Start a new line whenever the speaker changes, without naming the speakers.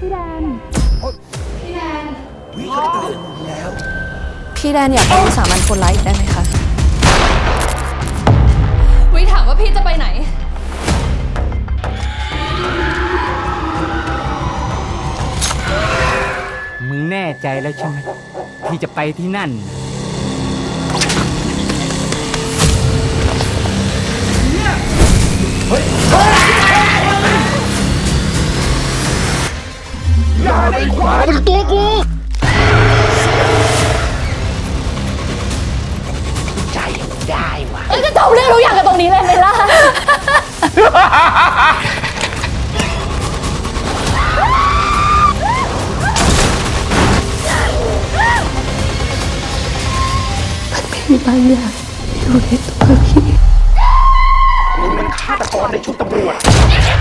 พี่แดน
พี่แดนอยากเป็นวิสามันคนร้ายอีกได้ไหมคะ
วิถามว่าพี่จะไปไหน
มึงแน่ใจแล้วใช่ไหมที่จะไปที่นั่น
อย่าได้ขวาเป็นตัวกูใจได้วะ
จะจบเรื่องทุกอย่างกันตรงนี้เลยไหมล่ะ
มีบางอย่างอยู่ในตัวพี่
มึงมันฆาตกรในชุดตำรวจ